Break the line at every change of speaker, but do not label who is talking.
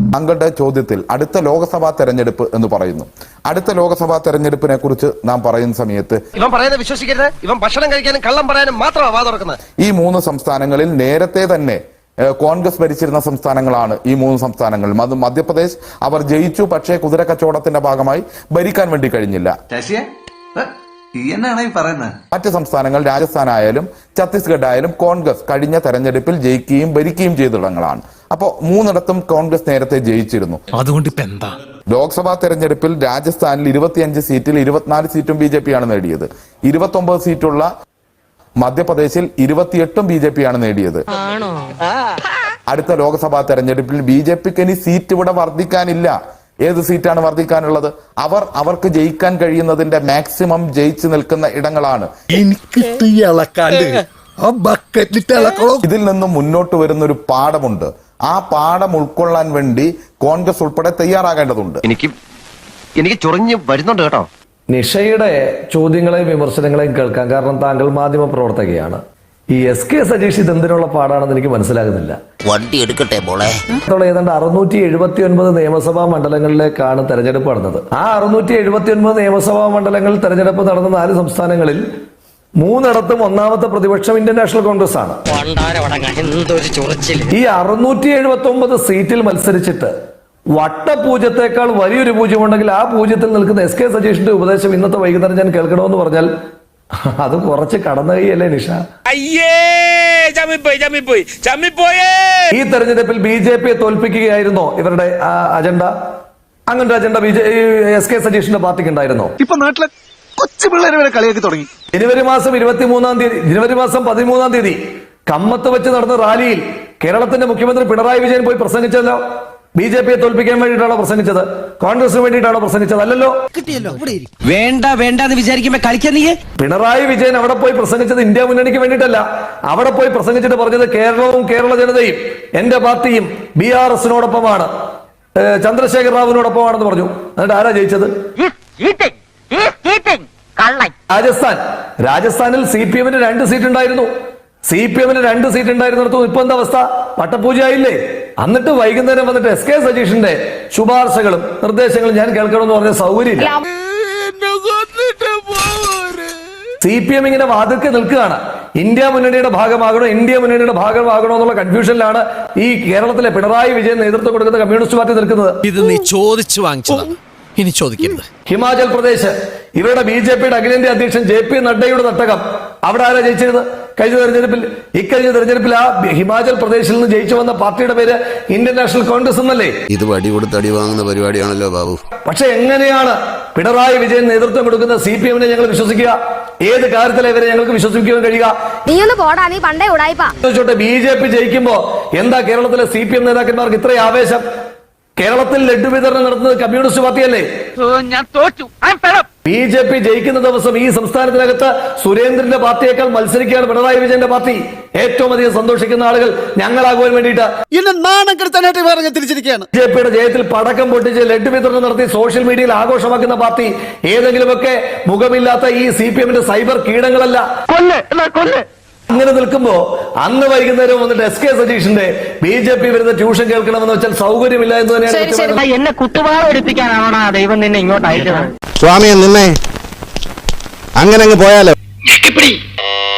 താങ്കളുടെ ചോദ്യത്തിൽ അടുത്ത ലോക്സഭാ തെരഞ്ഞെടുപ്പ് എന്ന് പറയുന്നു. അടുത്ത ലോക്സഭാ തെരഞ്ഞെടുപ്പിനെ കുറിച്ച് നാം പറയുന്ന സമയത്ത്
ഇവൻ പറയുന്നത് വിശ്വസിക്കരുത്. ഇവൻ ഭക്ഷണം കഴിക്കാനും കള്ളം പറയാനും മാത്രമാണ് വാ തുറക്കുന്നത്.
ഈ 3 സംസ്ഥാനങ്ങളിൽ നേരത്തെ തന്നെ കോൺഗ്രസ് ഭരിച്ചിരുന്ന സംസ്ഥാനങ്ങളാണ് ഈ 3 സംസ്ഥാനങ്ങൾ. മധ്യപ്രദേശ് അവർ ജയിച്ചു, പക്ഷേ കുതിര കച്ചവടത്തിന്റെ ഭാഗമായി ഭരിക്കാൻ വേണ്ടി കഴിഞ്ഞില്ല. മറ്റ് സംസ്ഥാനങ്ങൾ രാജസ്ഥാൻ ആയാലും ഛത്തീസ്ഗഡ് ആയാലും കോൺഗ്രസ് കഴിഞ്ഞ തെരഞ്ഞെടുപ്പിൽ ജയിക്കുകയും ഭരിക്കുകയും ചെയ്തിടങ്ങളാണ്. അപ്പോൾ 3ഇടത്തും കോൺഗ്രസ് നേരത്തെ ജയിച്ചിരുന്നു.
അതുകൊണ്ട് ഇപ്പൊ എന്താ?
ലോക്സഭാ തെരഞ്ഞെടുപ്പിൽ രാജസ്ഥാനിൽ 25 സീറ്റിൽ 24 സീറ്റും BJP ആണ് നേടിയത്. 29 സീറ്റുള്ള മധ്യപ്രദേശിൽ 28ഉം BJP ആണ് നേടിയത്. അടുത്ത ലോക്സഭാ തെരഞ്ഞെടുപ്പിൽ BJPക്ക് ഇനി സീറ്റ് ഇവിടെ വർദ്ധിക്കാനില്ല. ഏത് സീറ്റാണ് വർദ്ധിക്കാനുള്ളത്? അവർക്ക് ജയിക്കാൻ കഴിയുന്നതിന്റെ മാക്സിമം ജയിച്ചു നിൽക്കുന്ന ഇടങ്ങളാണ്. ഇതിൽ നിന്നും മുന്നോട്ട് വരുന്ന ഒരു പാഠമുണ്ട്. ആ പാഠം ഉൾക്കൊള്ളാൻ വേണ്ടി കോൺഗ്രസ് ഉൾപ്പെടെ തയ്യാറാകേണ്ടതുണ്ട്.
എനിക്ക് ചൊറിഞ്ഞ് വരുന്നുണ്ട് കേട്ടോ.
നിഷയുടെ ചോദ്യങ്ങളെയും വിമർശനങ്ങളെയും കേൾക്കാം. കാരണം താങ്കൾ മാധ്യമ പ്രവർത്തകയാണ്. ഈ SK സജീഷ് ഇതെന്തിനുള്ള പാടാണെന്ന് എനിക്ക് മനസ്സിലാകുന്നില്ല.
വണ്ടി എടുക്കട്ടെ മോളെ.
ഏതാണ്ട് 679 നിയമസഭാ മണ്ഡലങ്ങളിലേക്കാണ് തെരഞ്ഞെടുപ്പ് നടന്നത്. ആ 679 നിയമസഭാ മണ്ഡലങ്ങളിൽ തെരഞ്ഞെടുപ്പ് നടന്ന 4 സംസ്ഥാനങ്ങളിൽ 3ഇടത്തും ഒന്നാമത്തെ പ്രതിപക്ഷം ഇന്ത്യൻ നാഷണൽ കോൺഗ്രസ് ആണ്. ഈ 679 സീറ്റിൽ മത്സരിച്ചിട്ട് വട്ടപൂജ്യത്തെക്കാൾ വലിയൊരു പൂജ്യമുണ്ടെങ്കിൽ ആ പൂജ്യത്തിൽ നിൽക്കുന്ന SK സജീഷിന്റെ ഉപദേശം ഇന്നത്തെ വൈകുന്നേരം ഞാൻ കേൾക്കണമെന്ന് പറഞ്ഞാൽ അത് കുറച്ച് കടന്നു കൈയല്ലേ നിഷ? ഈ തെരഞ്ഞെടുപ്പിൽ BJPയെ തോൽപ്പിക്കുകയായിരുന്നോ ഇവരുടെ അജണ്ട? അങ്ങനത്തെ അജണ്ട SK സജീഷിന്റെ പാർട്ടിക്ക് ഉണ്ടായിരുന്നോ?
ഇപ്പൊ നാട്ടിലെ കൊച്ചു പിള്ളേരെ വരെ കളിയാക്കി തുടങ്ങി.
ജനുവരി മാസം 13 തീയതി കമ്മത്ത് വെച്ച് നടന്ന റാലിയിൽ കേരളത്തിന്റെ മുഖ്യമന്ത്രി പിണറായി വിജയൻ പോയി പ്രസംഗിച്ചല്ലോ. BJPയെ തോൽപ്പിക്കാൻ വേണ്ടിയിട്ടാണോ പ്രസംഗിച്ചത്? കോൺഗ്രസിന് വേണ്ടിയിട്ടാണോ പ്രസംഗിച്ചത്? അല്ലല്ലോ.
വേണ്ട എന്ന് വിചാരിക്കുമ്പോ കളിക്കാൻ നീ.
പിണറായി വിജയൻ അവിടെ പോയി പ്രസംഗിച്ചത് ഇന്ത്യ മുന്നണിക്ക് വേണ്ടിയിട്ടല്ല. അവിടെ പോയി പ്രസംഗിച്ചിട്ട് പറഞ്ഞത് കേരളവും കേരള ജനതയും എന്റെ പാർട്ടിയും BRSനോടൊപ്പമാണ്, ചന്ദ്രശേഖർ റാവുവിനോടൊപ്പമാണെന്ന് പറഞ്ഞു. എന്നിട്ട് ആരാ ജയിച്ചത്? രാജസ്ഥാനിൽ CPMന് 2 സീറ്റ് ഉണ്ടായിരുന്നു. CPMന് 2 സീറ്റ് ഉണ്ടായിരുന്നിടത്തു ഇപ്പൊ എന്താ അവസ്ഥ? പട്ടപൂജയായില്ലേ? എന്നിട്ട് വൈകുന്നേരം വന്നിട്ട് SK സജീഷിന്റെ ശുപാർശകളും നിർദ്ദേശങ്ങളും ഞാൻ കേൾക്കണമെന്ന് പറഞ്ഞ സൗകര്യമില്ല. CPM ഇങ്ങനെ വാതിൽക്ക് നിൽക്കുകയാണ്. ഇന്ത്യ മുന്നണിയുടെ ഭാഗമാകണോ എന്നുള്ള കൺഫ്യൂഷനിലാണ് ഈ കേരളത്തിലെ പിണറായി വിജയൻ നേതൃത്വം കൊടുക്കുന്ന കമ്മ്യൂണിസ്റ്റ് പാർട്ടി നിൽക്കുന്നത്.
ഇത് നീ ചോദിച്ചു വാങ്ങിച്ചതാണ്, ഇനി ചോദിക്കരുത്.
ഹിമാചൽ പ്രദേശ് ഇവരുടെ BJPയുടെ അഖിലേന്ത്യാ അധ്യക്ഷൻ JP നഡ്ഡയുടെ തട്ടകം. അവിടെ ആരാ ജയിച്ചിരുന്നത് ഇക്കഴിഞ്ഞ തെരഞ്ഞെടുപ്പിൽ? ആ ഹിമാചൽ പ്രദേശിൽ നിന്ന് ജയിച്ചു വന്ന പാർട്ടിയുടെ പേര് ഇന്ത്യൻ നാഷണൽ കോൺഗ്രസ് എന്നല്ലേ?
ഇത് വടി കൊടുത്ത് അടി വാങ്ങുന്ന പരിപാടിയാണല്ലോ ബാബു.
പക്ഷെ എങ്ങനെയാണ് പിണറായി വിജയൻ നേതൃത്വം കൊടുക്കുന്ന CPMനെ ഞങ്ങൾ വിശ്വസിക്കുക? ഏത് കാര്യത്തിലെ ഇവരെ ഞങ്ങൾക്ക് വിശ്വസിക്കാൻ കഴിയുക? BJP ജയിക്കുമ്പോ എന്താ കേരളത്തിലെ CPM നേതാക്കന്മാർക്ക് ഇത്രയും ആവേശം? കേരളത്തിൽ ലഡ്ഡു വിതരണം നടത്തുന്നത് കമ്മ്യൂണിസ്റ്റ് പാർട്ടിയല്ലേ? BJP ജയിക്കുന്ന ദിവസം ഈ സംസ്ഥാനത്തിനകത്ത് സുരേന്ദ്രന്റെ പാർട്ടിയേക്കാൾ മത്സരിക്കുകയാണ് പിണറായി വിജയന്റെ പാർട്ടി. ഏറ്റവും അധികം സന്തോഷിക്കുന്ന ആളുകൾ ഞങ്ങളാകുവാൻ വേണ്ടിയിട്ട് BJPയുടെ ജയത്തിൽ പടക്കം പൊട്ടിച്ച് ലഡ്ഡു വിതരണം നടത്തി സോഷ്യൽ മീഡിയയിൽ ആഘോഷമാക്കുന്ന പാർട്ടി ഏതെങ്കിലുമൊക്കെ മുഖമില്ലാത്ത ഈ CPMന്റെ സൈബർ കീടങ്ങളല്ല. അങ്ങനെ നിൽക്കുമ്പോ അന്ന് വൈകുന്നേരം വന്നിട്ട് SK സജീഷിന്റെ BJP വരുന്ന ട്യൂഷൻ കേൾക്കണമെന്ന് വെച്ചാൽ സൗകര്യമില്ല എന്ന് തന്നെയാണ്.
എന്നെ കുത്തുവാളെടുപ്പിക്കാനാണോ ദൈവം നിന്നെ ഇങ്ങോട്ട് അയച്ചത്?
സ്വാമിയെ നിന്നെ അങ്ങനെ അങ്ങ് പോയാലോ.